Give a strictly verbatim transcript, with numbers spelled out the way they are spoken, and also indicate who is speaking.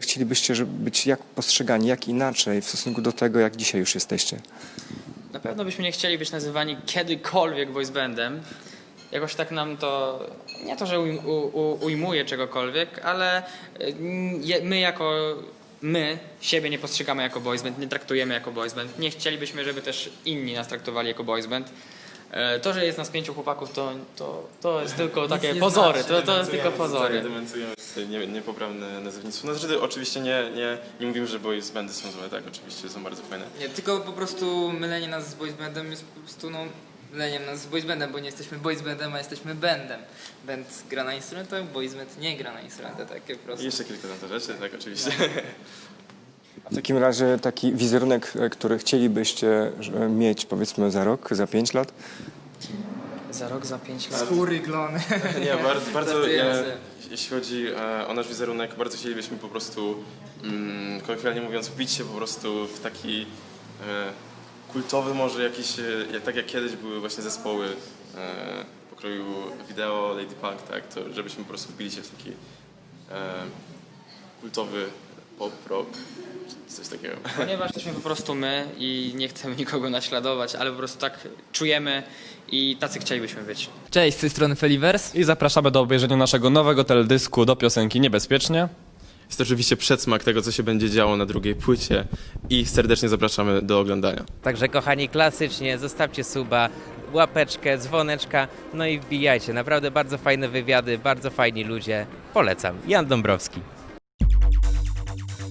Speaker 1: chcielibyście żeby być jak postrzegani, jak inaczej w stosunku do tego, jak dzisiaj już jesteście?
Speaker 2: Na pewno byśmy nie chcieli być nazywani kiedykolwiek boys bandem. Jakoś tak nam to, nie to, że ujm- u- u- ujmuje czegokolwiek, ale y, je- my jako, my siebie nie postrzegamy jako boys band, nie traktujemy jako boys band. Nie chcielibyśmy, żeby też inni nas traktowali jako boys band. E, To, że jest nas pięciu chłopaków, to, to, to jest tylko takie
Speaker 3: nie
Speaker 2: pozory,
Speaker 3: znaczy,
Speaker 2: to, to jest tylko pozory.
Speaker 4: Demencujemy nie, niepoprawne nazewnictwo. No znaczy, oczywiście nie, nie, nie mówimy, że boys bandy są złe, tak, oczywiście są bardzo fajne.
Speaker 3: Nie, tylko po prostu mylenie nas z boys bandem jest po prostu no, myleniem nas z boys bandem, bo nie jesteśmy boys bandem, a jesteśmy bandem. Band gra na instrumentach, boys band nie gra na instrumentach, takie po
Speaker 4: I
Speaker 3: prostu.
Speaker 4: jeszcze kilka tam rzeczy, tak, oczywiście.
Speaker 1: W takim razie taki wizerunek, e, który chcielibyście że- mieć powiedzmy za rok, za pięć lat?
Speaker 2: Za rok, za pięć lat.
Speaker 3: Skóry, glony.
Speaker 4: Nie, bardzo, bardzo
Speaker 3: Żartujemy
Speaker 4: e,
Speaker 3: sobie.
Speaker 4: jeśli chodzi e, o nasz wizerunek, bardzo chcielibyśmy po prostu, mm, kolokwialnie mówiąc, wbić się po prostu w taki e, kultowy może jakiś, e, jak, tak jak kiedyś były właśnie zespoły e, pokroju wideo, Lady Punk, tak, to żebyśmy po prostu wbili się w taki e, kultowy pop, rock, czy coś takiego.
Speaker 2: Ponieważ jesteśmy po prostu my i nie chcemy nikogo naśladować, ale po prostu tak czujemy i tacy chcielibyśmy być.
Speaker 3: Cześć, z tej strony Felivers.
Speaker 5: I zapraszamy do obejrzenia naszego nowego teledysku do piosenki Niebezpiecznie.
Speaker 4: Jest to oczywiście przedsmak tego, co się będzie działo na drugiej płycie i serdecznie zapraszamy do oglądania.
Speaker 6: Także kochani, klasycznie zostawcie suba, łapeczkę, dzwoneczka, no i wbijajcie. Naprawdę bardzo fajne wywiady, bardzo fajni ludzie. Polecam. Jan Dąbrowski.